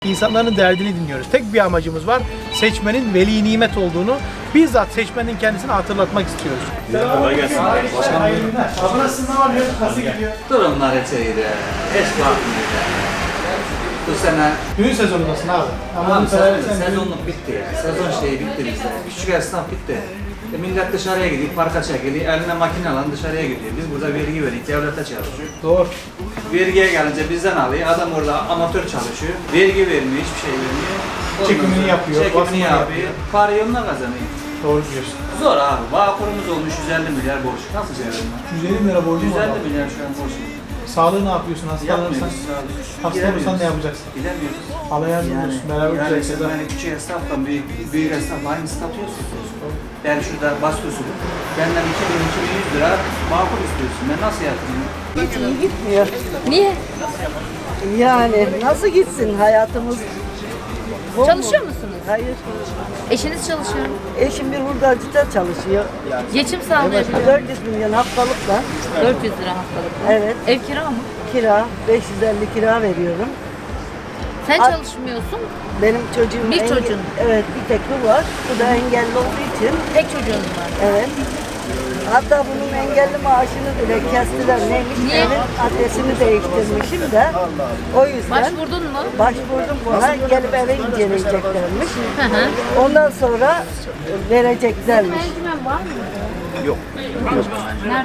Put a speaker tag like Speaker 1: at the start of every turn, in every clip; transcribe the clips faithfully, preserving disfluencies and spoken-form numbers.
Speaker 1: İnsanların derdini dinliyoruz. Tek bir amacımız var. Seçmenin veli nimet olduğunu bizzat seçmenin kendisine hatırlatmak istiyoruz.
Speaker 2: Kolay gelsin.
Speaker 1: Ablası ne var? Nasıl gidiyor?
Speaker 3: Durumlar hiç iyi değil. Hiç bakmıyor. Bu sene
Speaker 1: Düğün sezonundasın abi.
Speaker 3: tamam, sezon, sezonluk bitti ya. Sezon şeyi bitti bizde. Küçük esnaf bitti. E, millet dışarıya gidiyor, parka çekiliyor, eline makine alan dışarıya gidiyor. Biz burada vergi veriyoruz, devlete çalışıyor.
Speaker 1: Doğru.
Speaker 3: Vergiye gelince bizden alıyor, adam orada amatör çalışıyor. Vergi vermiyor, hiçbir şey vermiyor. Ondan
Speaker 1: Çekimini
Speaker 3: sonra
Speaker 1: yapıyor,
Speaker 3: Çekimini
Speaker 1: basımını
Speaker 3: yapıyor.
Speaker 1: yapıyor.
Speaker 3: Parayı onunla kazanıyor.
Speaker 1: Doğru diyorsun.
Speaker 3: Zor abi. Bağkurumuz olmuş yüz elli milyar borç. Nasıl çevirdin lan?
Speaker 1: yüz elli lira borcum
Speaker 3: yüz
Speaker 1: var.
Speaker 3: elli milyar şu an borç.
Speaker 1: Sağlığı ne yapıyorsun? Hastalanırsan,
Speaker 3: Yapmıyoruz abi.
Speaker 1: hasta olursan ne yapacaksın?
Speaker 3: Gidemiyoruz.
Speaker 1: Allah yardım
Speaker 3: Yani,
Speaker 1: olsun. Beraber
Speaker 3: yani
Speaker 1: güzel
Speaker 3: sen
Speaker 1: şeyler.
Speaker 3: hani küçük esnafla büyük, büyük esnafla aynı statüyorsun. Ben şurada basıyorsun. Benden iki bin iki bin yüz lira makul istiyorsun. Ben nasıl yapayım?
Speaker 4: Hiç iyi gitmiyor.
Speaker 5: Niye?
Speaker 4: Yani nasıl gitsin hayatımız? Bol
Speaker 5: Çalışıyor
Speaker 4: mu?
Speaker 5: musunuz?
Speaker 4: Hayır.
Speaker 5: Eşiniz çalışıyor mu?
Speaker 4: Eşim bir hurdacıda çalışıyor.
Speaker 5: Geçim sağlayabiliyor.
Speaker 4: dört yüz milyon haftalıkla.
Speaker 5: dört yüz lira haftalık.
Speaker 4: Evet.
Speaker 5: Ev kira mı?
Speaker 4: Kira. beş yüz elli kira veriyorum.
Speaker 5: Sen
Speaker 4: Ay-
Speaker 5: çalışmıyorsun.
Speaker 4: Benim çocuğum...
Speaker 5: Bir
Speaker 4: enge-
Speaker 5: çocuğun.
Speaker 4: Evet, bir tek bu var. Bu da engelli olduğu için.
Speaker 5: Tek çocuğunuz var.
Speaker 4: Evet. Hatta bunun engelli maaşını bile kestiler. Neymiş?
Speaker 5: Niye?
Speaker 4: Evin adresini değiştirmişim de. O yüzden...
Speaker 5: Başvurdun mu?
Speaker 4: Başvurdum buna. Gelip eve inceleyeceklermiş.
Speaker 5: Hı hı.
Speaker 4: Ondan sonra vereceklermiş.
Speaker 5: Merdiven var mı? Yok. Nerede?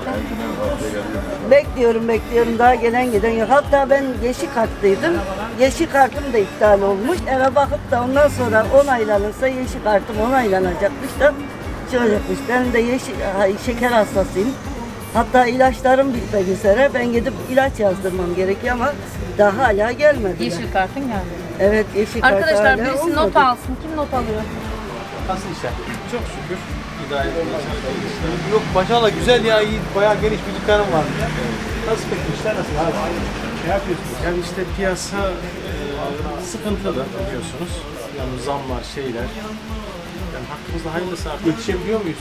Speaker 4: Bekliyorum bekliyorum daha gelen giden yok. Hatta ben yeşil kartlıydım. Yeşil kartım da iptal olmuş. Eve bakıp da ondan sonra onaylanırsa yeşil kartım onaylanacakmış da şey olacakmış. Ben de yeşil, ha, şeker hastasıyım. Hatta ilaçlarım bitmek üzere. Ben gidip ilaç yazdırmam gerekiyor ama daha hala gelmedi.
Speaker 5: Yeşil kartın geldi.
Speaker 4: Evet yeşil kart
Speaker 5: Arkadaşlar
Speaker 4: hala
Speaker 5: birisi
Speaker 4: olmadı.
Speaker 5: not alsın. Kim not alıyor?
Speaker 1: Nasıl işler? Çok şükür. İdare Yok maşallah güzel ya, iyi, bayağı geniş bir dükkanım var. Nasıl peki işler nasıl abi? Ne yapıyorsunuz?
Speaker 2: Yani işte piyasa e, sıkıntılı biliyorsunuz. Yani zamlar, şeyler. Yani hakkımızda hayırlısı artık.
Speaker 1: Yetişebiliyor muyuz?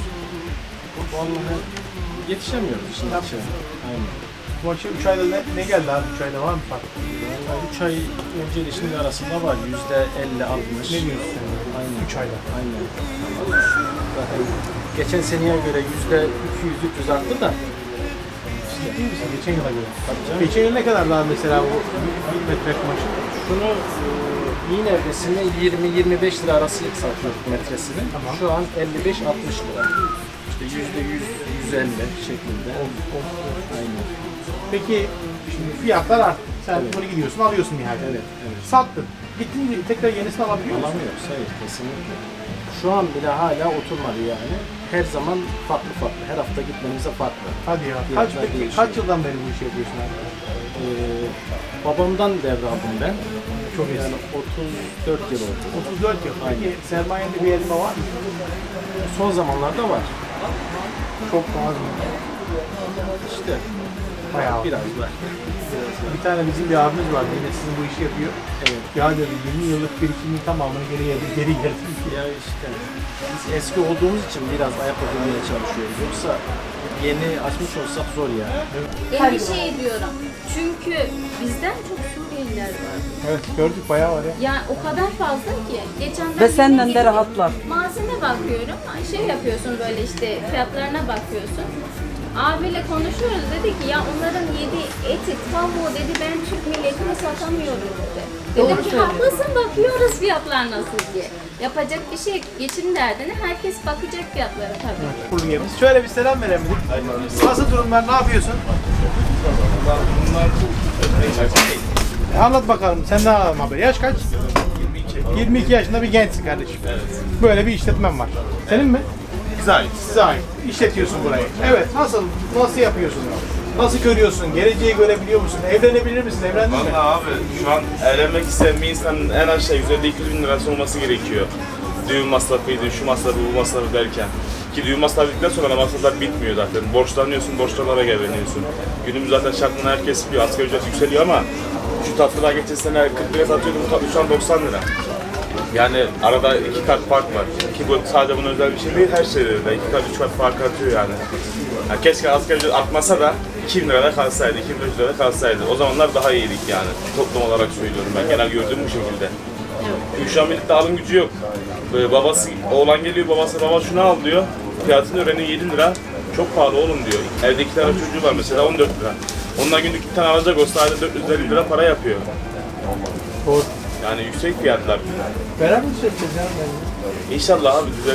Speaker 2: Vallahi yetişemiyoruz işin açığı. Aynen.
Speaker 1: Bu akşam üç ayda ne, ne geldi abi? üç ayda var mı fark?
Speaker 2: Vallahi üç ay önce ile şimdi arasında var. Yüzde elli altmış.
Speaker 1: Ne diyorsun sen?
Speaker 2: Aynen.
Speaker 1: üç ayda.
Speaker 2: Aynen. Zaten geçen seneye göre yüzde iki yüz üç yüz arttı da.
Speaker 1: Ciddi misin? Geçen yıla göre.
Speaker 2: Tabii canım.
Speaker 1: Geçen yıl ne kadar daha mesela bu bir metre kumaşı?
Speaker 2: Şunu e, iğne evresini yirmi yirmi beş lira arası satıyorduk metresini.
Speaker 1: Tamam.
Speaker 2: Şu an elli beş altmış lira. İşte yüzde yüz yüz elli şeklinde. Aynen.
Speaker 1: Peki şimdi fiyatlar arttı. Sen
Speaker 2: Evet.
Speaker 1: bunu gidiyorsun alıyorsun nihayet.
Speaker 2: Evet, evet.
Speaker 1: Sattın. Gittin mi tekrar yenisini alabiliyor musun?
Speaker 2: Alamıyoruz, hayır kesinlikle. Şu an bile hala oturmadı yani. Her zaman farklı farklı. Her hafta gitmemize farklı.
Speaker 1: Hadi ya. Kaç,
Speaker 2: Fiyatlar
Speaker 1: peki,
Speaker 2: değişiyor.
Speaker 1: kaç yıldan beri bu işi yapıyorsun abi?
Speaker 2: Ee, babamdan devraldım ben.
Speaker 1: Çok iyi.
Speaker 2: Yani otuz dört yıl oldu.
Speaker 1: otuz dört yıl. Peki
Speaker 2: Aynen.
Speaker 1: sermayende bir elma var mı?
Speaker 2: Son zamanlarda var.
Speaker 1: Çok az mı?
Speaker 2: İşte
Speaker 1: Bayağı.
Speaker 2: biraz var.
Speaker 1: Bir tane bizim bir abimiz var. Yine sizin bu işi yapıyor.
Speaker 2: Evet.
Speaker 1: Ya dedi yirmi yıllık birikimin tamamını geri geri geri geldim.
Speaker 2: Ya işte biz eski olduğumuz için biraz ayak uydurmaya çalışıyoruz. Yoksa yeni açmış olsak zor yani.
Speaker 6: Endişe ediyorum. Çünkü bizden çok Suriyeliler var.
Speaker 1: Evet gördük bayağı var ya.
Speaker 6: Yani o kadar fazla ki. Geçenler
Speaker 4: Ve senden de rahatlar.
Speaker 6: Malzeme bakıyorum. Şey yapıyorsun böyle işte fiyatlarına bakıyorsun. Abiyle konuşuyoruz dedi ki ya onların yediği eti, tavuğu dedi ben Türk milletine satamıyorum dedi. Dedim ki haklısın bakıyoruz fiyatlar nasıl diye. Yapacak bir şey yok. Geçim derdine herkes bakacak fiyatlara tabii.
Speaker 1: Kurulu yerimiz. Şöyle bir selam verelim. Nasıl durumlar? Ne yapıyorsun? E, anlat bakalım. Sen ne haber? Yaş kaç? yirmi iki yaşında bir gençsin kardeşim. Böyle bir işletmen var. Senin mi?
Speaker 7: Bize ait.
Speaker 1: Size ait. İşletiyorsun burayı. Evet. Nasıl? Nasıl yapıyorsun? Nasıl görüyorsun? Geleceği görebiliyor musun? Evlenebilir misin? Evlendin mi?
Speaker 7: Valla abi şu an evlenmek isteyen bir insanın en aşağı yüz elli iki yüz bin lirası olması gerekiyor. Düğün masrafıydı, şu masrafı, bu masrafı derken. Ki düğün masrafı bittikten sonra masraflar bitmiyor zaten. Borçlanıyorsun, borçlarlara geleniyorsun. Günümüz zaten şartında herkes bir asgari ücret yükseliyor ama şu tatlılar geçen sene kırk lira satıyordum, bu tatlı şu an doksan lira. Yani arada iki kat fark var. Ki bu sadece buna özel bir şey değil, her şeyde de iki kat, üç kat fark atıyor yani. Yani keşke asgari ücret artmasa da iki bin lirada kalsaydı, iki bin beş yüz lirada kalsaydı. O zamanlar daha iyiydik yani. Toplum olarak söylüyorum ben. Genel gördüğüm bu şekilde. Çünkü şu an birlikte alım gücü yok. Ee, babası, oğlan geliyor, babası baba şunu al diyor. Fiyatını öğreniyor yedi lira. Çok pahalı oğlum diyor. Evde iki tane çocuğu var mesela on dört lira. Ondan günlük iki tane alacak olsa ayda dört yüz elli lira para yapıyor.
Speaker 1: Doğru.
Speaker 7: Yani yüksek fiyatlar.
Speaker 1: Beraber mi söyleyeceğiz ya?
Speaker 7: İnşallah abi düzelir.